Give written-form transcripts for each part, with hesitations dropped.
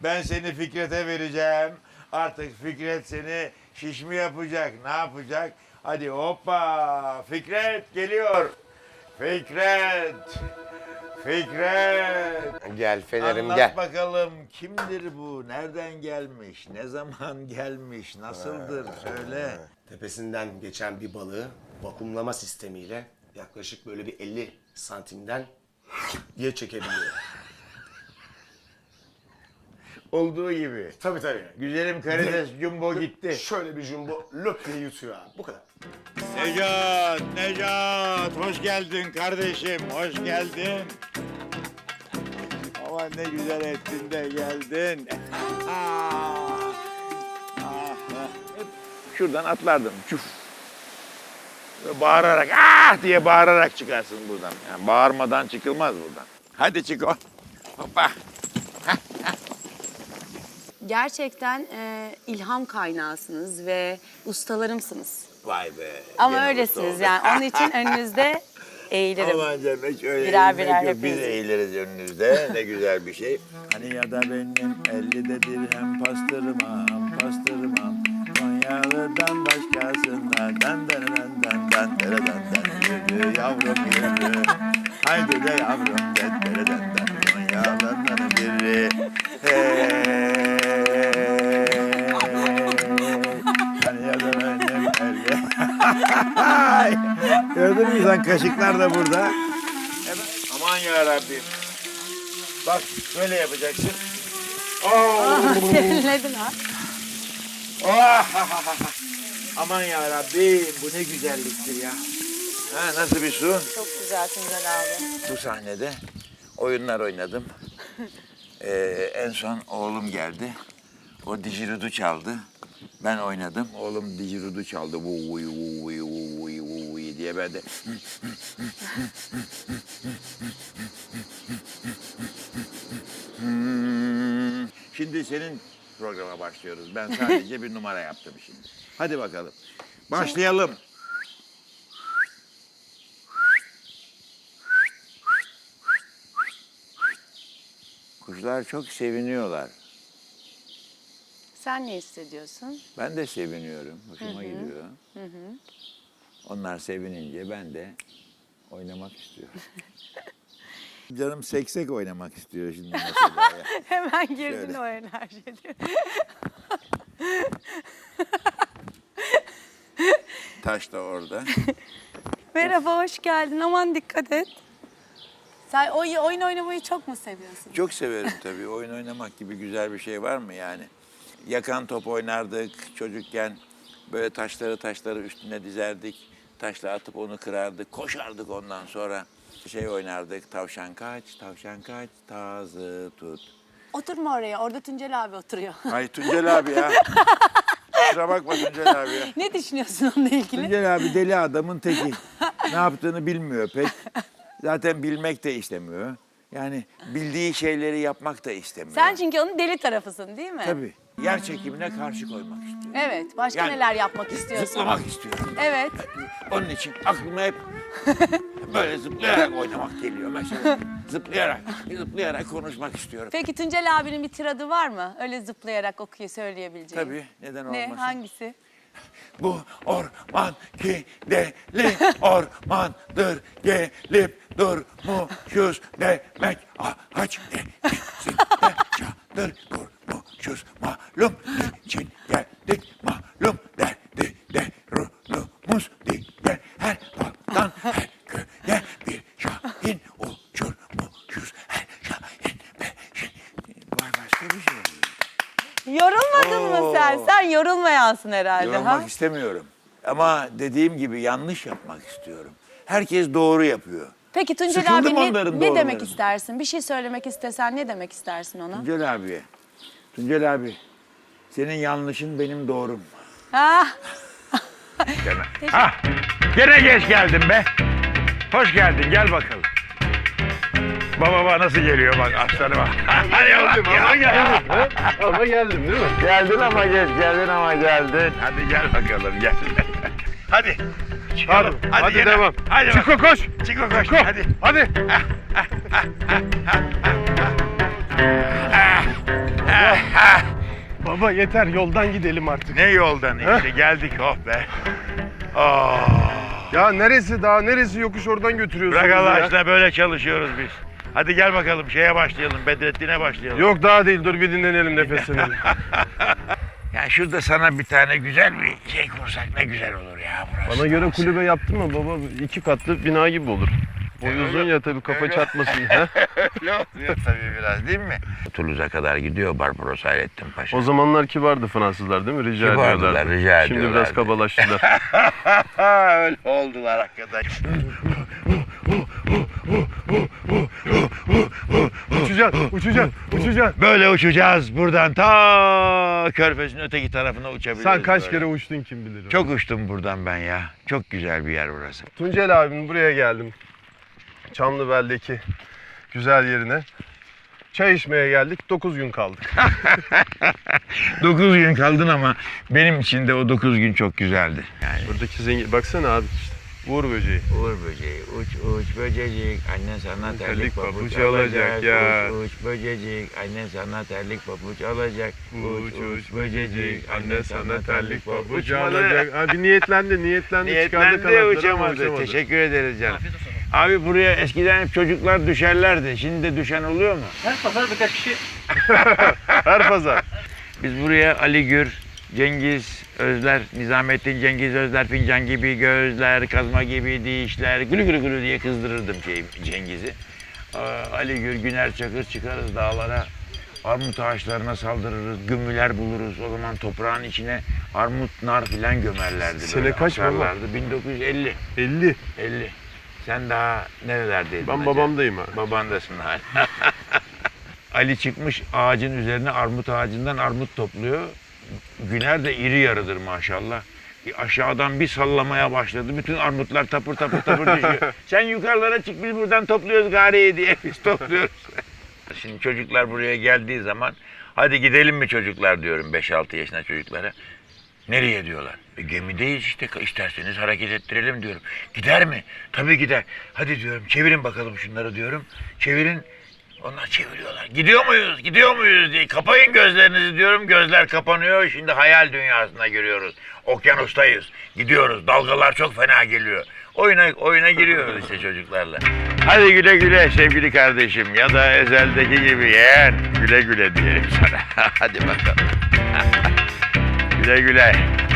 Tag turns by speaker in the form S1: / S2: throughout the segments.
S1: Ben seni Fikret'e vereceğim. Artık Fikret seni şiş mi yapacak, ne yapacak? Hadi hoppa, Fikret geliyor. Fikret, Fikret.
S2: Gel Fener'im
S1: Anlat
S2: gel.
S1: bakalım kimdir bu, nereden gelmiş, ne zaman gelmiş, nasıldır söyle.
S2: Tepesinden geçen bir balığı vakumlama sistemiyle yaklaşık böyle bir 50 santimden diye çekebiliyor.
S1: Olduğu gibi.
S2: Tabii tabii.
S1: Güzelim karides jumbo gitti.
S2: Şöyle bir jumbo löp diye yutuyor abi. Bu kadar.
S1: Necat, Necat, hoş geldin kardeşim, hoş geldin. Aman ne güzel ettin de geldin. Hep şuradan atlardım, çuf. Böyle bağırarak, ah diye bağırarak çıkarsın buradan. Yani bağırmadan çıkılmaz buradan. Hadi çık o. Hoppa.
S3: Gerçekten ilham kaynağısınız ve ustalarımsınız.
S1: Vay be.
S3: Ama
S1: gene
S3: öylesiniz
S1: mutlu
S3: yani.
S1: olduk.
S3: Onun için önünüzde eğilirim.
S1: Aman canım hiç öyle
S3: Birer
S1: eğilmek
S3: birer
S1: yok. Biz
S3: hepiniz.
S1: eğiliriz önünüzde. Ne güzel bir şey. Hani ya da benim 50'de dirhem pastırmam, pastırmam. Konyalı'dan başkasından dan dan dan dan dan dan dan. Yürü yavrum yürü. Haydi de yavrum dan dan dan dan. Konyalı'dan biri. Hey. Hani ya da benim 50. Gördün mü sen, kaşıklar da burada. Aman ya Rabbim. Bak böyle yapacaksın.
S3: Serinledin ha.
S1: Aman ya Rabbim, bu ne güzelliktir ya. Ha, nasıl bir su?
S3: Çok güzel Tuncel abi.
S1: Bu sahnede oyunlar oynadım. En son oğlum geldi. O didgeridoo çaldı. Ben oynadım. Oğlum didgeridoo çaldı. Vuy vuy vuy vuy diye ben de Şimdi senin programa başlıyoruz. Ben sadece bir numara yaptım şimdi. Hadi bakalım. Başlayalım. Kuşlar çok seviniyorlar.
S3: Sen ne hissediyorsun?
S1: Ben de seviniyorum. Hoşuma gidiyor. Onlar sevinince ben de oynamak istiyorum. Canım seksek oynamak istiyor şimdi mesela ya.
S3: Hemen girdin
S1: Şöyle.
S3: o enerjiye.
S1: Taş da orada.
S3: Merhaba, hoş geldin. Aman dikkat et. Sen oyun oynamayı çok mu seviyorsun?
S1: Çok severim tabii. Oyun oynamak gibi güzel bir şey var mı yani? Yakan top oynardık çocukken. Böyle taşları üstüne dizerdik. Taşla atıp onu kırardık. Koşardık ondan sonra. Şey oynardık. Tavşan kaç, tazı tut.
S3: Oturma oraya. Orada Tuncel abi oturuyor.
S1: Ay Tuncel abi ya. Kusura bakma Tuncel abi ya.
S3: Ne düşünüyorsun onunla ilgili?
S1: Tuncel abi deli adamın teki. Ne yaptığını bilmiyor pek. Zaten bilmek de istemiyor. Yani bildiği şeyleri yapmak da istemiyor.
S3: Sen çünkü onun deli tarafısın değil mi?
S1: Tabii. Yer çekimine karşı koymak istiyor.
S3: Evet. Başka
S1: Yani
S3: neler yapmak istiyorsun?
S1: Zıplamak istiyor.
S3: Evet.
S1: Onun için aklıma hep böyle zıplayarak oynamak geliyor mesela. Zıplayarak konuşmak istiyorum.
S3: Peki Tuncel abinin bir tiradı var mı? Öyle zıplayarak söyleyebileceğin.
S1: Tabii, neden
S3: Ne?
S1: olmasın?
S3: Hangisi?
S1: Bu orman ki deli ormandır, gelip durmuşuz demek. Ağaç denizinde çadır kurmuşuz, malum için geldik, malum derdi derunumuz diye her daldan her köye bir şahin uçurmuşuz, her şahin beşin. Var başka bir şey.
S3: Yorulmadın mı sen?
S1: Oo.
S3: Sen yorulmayansın herhalde.
S1: Yorulmak
S3: ha?
S1: istemiyorum. Ama dediğim gibi yanlış yapmak istiyorum. Herkes doğru yapıyor.
S3: Peki Tuncel
S1: Sıkıldım
S3: abi
S1: onların
S3: ne demek
S1: doğrularından.
S3: istersin? Bir şey söylemek istesen ne demek istersin ona?
S1: Tuncel abiye. Tuncel abi, senin yanlışın benim doğrum.
S3: Ha?
S1: Gene geç geldin be. Hoş geldin, gel bakalım. Baba nasıl geliyor bak aslanıma. Hadi
S4: Geldim ama geldim. Ama geldim değil mi?
S1: Geldin ama geç, geldin ama geldin. Hadi gel bakalım, gel. Hadi. Çıkalım.
S4: Hadi
S1: gene.
S4: devam.
S1: Hadi
S4: Çiko
S1: bakalım.
S4: koş.
S1: Çiko koş. Hadi.
S4: Hadi. Baba yeter, yoldan gidelim artık.
S1: Ne yoldan işte geldik oh be.
S4: Ya neresi daha neresi yokuş, oradan götürüyorsun
S1: Bırak
S4: bizi
S1: Allah
S4: ya.
S1: aşkına, böyle çalışıyoruz biz. Hadi gel bakalım şeye başlayalım, Bedrettin'e başlayalım.
S4: Yok daha değil, dur bir dinlenelim, nefeslenelim.
S1: Ya şurada sana bir tane güzel bir şey kursak ne güzel olur ya burası.
S4: Bana göre kulübe yaptın mı baba? 2 katlı bina gibi olur. Boy uzun ya tabii, kafa çarpmasın. Ha?
S1: Öyle oluyor tabii biraz değil mi? Toulouse'a kadar gidiyor Barbaros Hayrettin Paşa.
S4: O zamanlar kibardı Fransızlar değil mi? Rica
S1: Kibardılar,
S4: ediyorlardı.
S1: rica
S4: Şimdi biraz
S1: ediyorlardı.
S4: kabalaştılar.
S1: Öyle oldular hakikaten.
S4: Uçacaksın.
S1: Böyle uçacağız buradan ta Körfez'in öteki tarafına uçabiliriz.
S4: Sen kaç
S1: böyle.
S4: kere uçtun kim bilir.
S1: Çok uçtum buradan ben ya. Çok güzel bir yer burası.
S4: Tuncel abinin buraya geldim. Çamlıbel'deki güzel yerine. Çay içmeye geldik. 9 gün kaldık.
S1: 9 gün kaldın ama benim için de o 9 gün çok güzeldi. Yani.
S4: Buradaki zengin... Baksana abi işte. Uğur böceği.
S1: Uğur böceği, uç uç böcecik, annen sana terlik
S4: Terlik
S1: pabuç
S4: pabuç
S1: alacak.
S4: alacak ya.
S1: Uç uç böcecik, annen sana terlik pabuç alacak.
S4: Uç uç böcecik, anne sana terlik pabuç alacak. Abi niyetlendi. Çıkardı
S1: Niyetlendi
S4: kanatları ama
S1: uçamadı. Teşekkür ederiz canım. Abi buraya eskiden hep çocuklar düşerlerdi. Şimdi de düşen oluyor mu?
S5: Her pazar birkaç kişi.
S4: Her pazar.
S1: Biz buraya Ali Gür, Cengiz Özler, Nizamettin Cengiz Özler, fincan gibi gözler, kazma gibi dişler, gülü gülü gülü diye kızdırırdım Cengiz'i. Ali Gür, Güner Çakır çıkarız dağlara, armut ağaçlarına saldırırız, gümmüler buluruz. O zaman toprağın içine armut, nar filan gömerlerdi.
S4: Sene
S1: böyle,
S4: kaç baba?
S1: asarlardı. 1950.
S4: 50.
S1: 50. Sen daha nerelerdeydin?
S4: Ben
S1: acaba?
S4: babamdayım ha.
S1: Babandasın hala. Ali çıkmış ağacın üzerine, armut ağacından armut topluyor. Güner de iri yarıdır maşallah. Aşağıdan bir sallamaya başladı. Bütün armutlar tapır tapır tapır düşüyor. Sen yukarılara çık, biz buradan topluyoruz gariye diye biz topluyoruz. Şimdi çocuklar buraya geldiği zaman hadi gidelim mi çocuklar diyorum 5-6 yaşında çocuklara. Nereye diyorlar? Gemideyiz işte, isterseniz hareket ettirelim diyorum. Gider mi? Tabii gider. Hadi diyorum çevirin bakalım şunları diyorum. Çevirin. Onlar çeviriyorlar. Gidiyor muyuz diye. Kapayın gözlerinizi diyorum. Gözler kapanıyor. Şimdi hayal dünyasına giriyoruz. Okyanustayız. Gidiyoruz. Dalgalar çok fena geliyor. Oyuna giriyoruz işte çocuklarla. Hadi güle güle sevgili kardeşim. Ya da ezeldeki gibi yeğen. Güle güle diyelim sana. Hadi bakalım. Güle güle.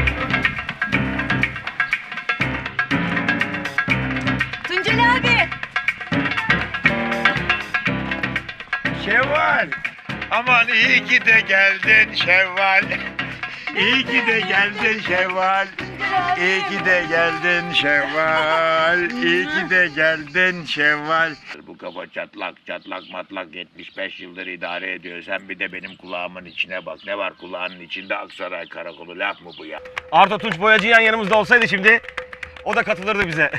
S3: Tuncel abi.
S1: Şevval. Aman iyi ki de geldin Şevval. İyi ki de geldin Şevval. İyi ki de geldin Şevval. İyi ki de geldin Şevval. Bu kafa çatlak matlak 75 yıldır idare ediyor. Sen bir de benim kulağımın içine bak. Ne var kulağının içinde? Aksaray Karakolu, laf mı bu ya?
S5: Arda Tunç Boyacı yan yanımızda olsaydı şimdi o da katılırdı bize.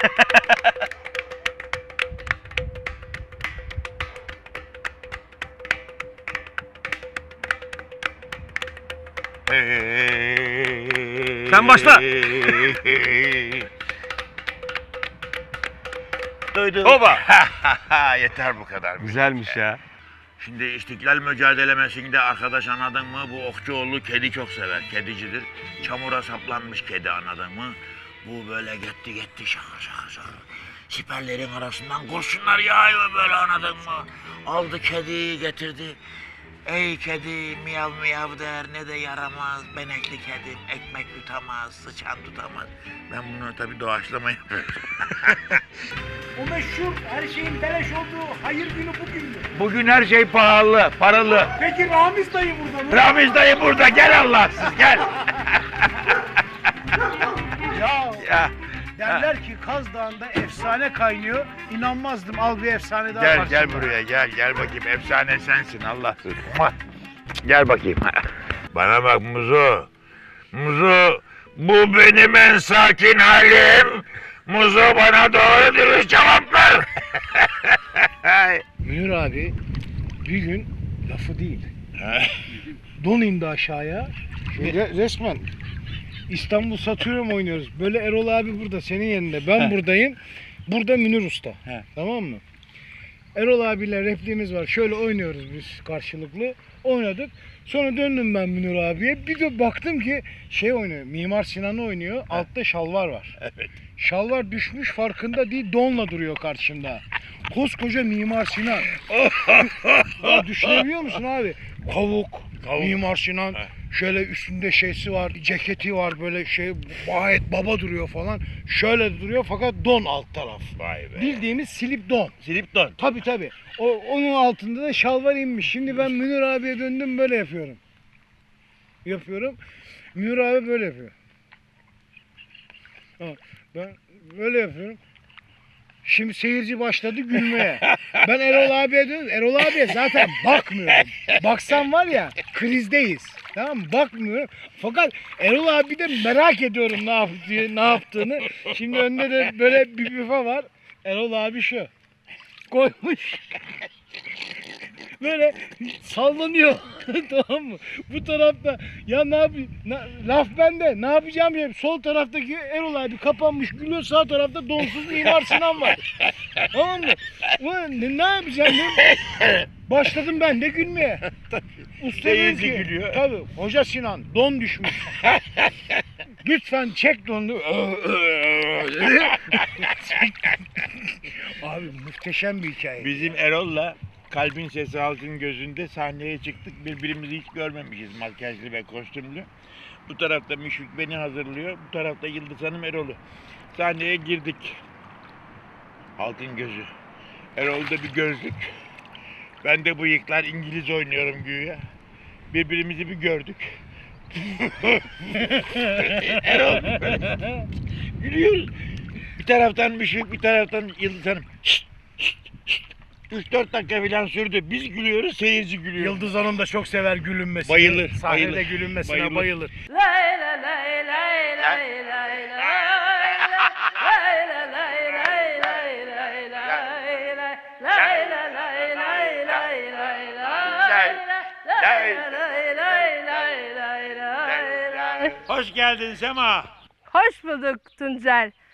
S5: Sen başla.
S1: Duydum.
S5: Hoba.
S1: Yeter bu kadar.
S5: Güzelmiş ya.
S1: Şimdi İstiklal mücadelemesinde arkadaş anladın mı? Bu Okçuoğlu kedi çok sever. Kedicidir. Çamura saplanmış kedi anladın mı? Bu böyle gitti şaka. Siperlerin arasından kurşunlar yağıyor böyle anladın mı? Aldı kediyi getirdi. Ey kedi miyav miyav der, ne de yaramaz, benekli kedim, ekmek tutamaz, sıçan tutamaz. Ben bunu tabii doğaçlama yapıyorum.
S6: O meşhur her şeyin beleş olduğu hayır günü bugündür.
S1: Bugün her şey pahalı, paralı.
S6: Peki Ramiz dayı burada mı?
S1: Ramiz dayı burada, gel Allahsız gel.
S6: Ya
S1: Ya,
S6: derler ki Kaz Dağı'nda efsane kaynıyor. İnanmazdım. Al bir efsane daha var.
S1: gel buraya, gel bakayım. Efsane sensin Allahsız. Gel bakayım. Bana bak Muzo, bu benim en sakin halim. Muzo bana doğru dürüst cevap ver.
S6: Münir abi bir gün lafı değil. Don indi aşağıya. Resmen İstanbul Satıyorum oynuyoruz. Böyle Erol abi burada senin yanında. Ben buradayım. Burada Münir Usta. Tamam mı? Erol abiyle repliğimiz var. Şöyle oynuyoruz biz karşılıklı. Oynadık. Sonra döndüm ben Münir abiye. Bir de baktım ki şey oynuyor. Mimar Sinan oynuyor. Altta şalvar var.
S1: Evet.
S6: Şalvar düşmüş farkında değil. Donla duruyor karşımda. Koskoca Mimar Sinan. Ya düşünebiliyor musun abi? Kavuk. Mimar Sinan. Şöyle üstünde şeysi var. Ceketi var böyle şey. Gayet baba duruyor falan. Şöyle duruyor fakat don alt taraf.
S1: Vay be.
S6: Bildiğimiz slip don.
S1: Slip don.
S6: Tabii. Onun altında da şalvar inmiş. Şimdi ben Münir abiye döndüm böyle yapıyorum. Münir abi böyle yapıyor. Ha, ben böyle yapıyorum. Şimdi seyirci başladı gülmeye. Ben Erol abiye döndüm. Erol abiye zaten bakmıyorum. Baksam var ya krizdeyiz. Tamam mı? Bakmıyorum. Fakat Erol abi de merak ediyorum ne yaptığını. Şimdi önünde de böyle bir büfe var. Erol abi şu. Koymuş. Böyle sallanıyor. Tamam mı? Bu tarafta ya ne yapayım? Laf bende. Ne yapacağım diye. Sol taraftaki Erol abi kapanmış gülüyor. Sağ tarafta donsuz Mimar Sinan var. Tamam mı? Ulan ne yapacağım diye. Başladım ben de gülmeye. Usta dedi ki,
S1: gülüyor.
S6: tabii Hoca Sinan don düşmüş. Lütfen çek donunu. Dedi. Abi muhteşem bir hikaye.
S7: Bizim Erol'la Kalbin Sesi Halkın Gözü'nde sahneye çıktık. Birbirimizi hiç görmemişiz makyajlı ve kostümlü. Bu tarafta Müşfik beni hazırlıyor. Bu tarafta Yıldız Hanım Erol'u. Sahneye girdik. Halkın Gözü. Erol'da bir gözlük. Ben de bıyıklar İngiliz oynuyorum güya. Birbirimizi bir gördük. Erol böyle gülüyoruz. Bir taraftan Müşfik, bir taraftan Yıldız Hanım. 3-4 dakika falan sürdü. Biz gülüyoruz, seyirci gülüyor.
S6: Yıldız Hanım da çok sever gülünmesini.
S7: Bayılır,
S6: Sahnede
S7: bayılır.
S6: gülünmesine bayılır.
S7: Hoş geldin Sema.
S3: Hoş bulduk Tuncer.